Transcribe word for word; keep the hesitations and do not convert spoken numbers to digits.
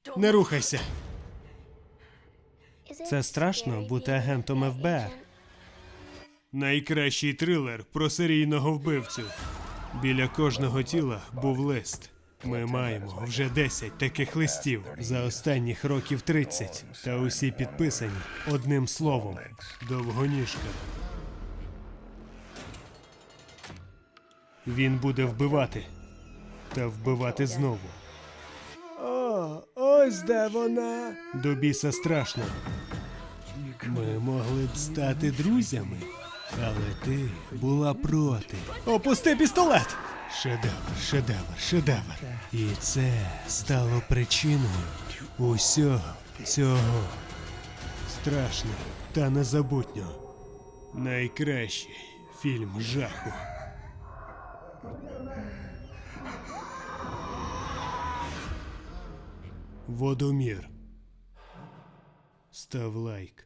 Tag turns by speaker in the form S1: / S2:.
S1: Не рухайся. Це страшно бути агентом еф бе ер. Найкращий трилер про серійного вбивцю. Біля кожного тіла був лист. Ми маємо вже десять таких листів за останніх років тридцять. Та усі підписані одним словом. Довгоніжка. Він буде вбивати. Та вбивати знову. О, ось де вона. До біса страшно. Ми могли б стати друзями, але ти була проти. Опусти пістолет! Шедевр, шедевр, шедевр. І це стало причиною усього цього. Страшно та незабутньо. Найкращий фільм жаху. Водомір. Став лайк.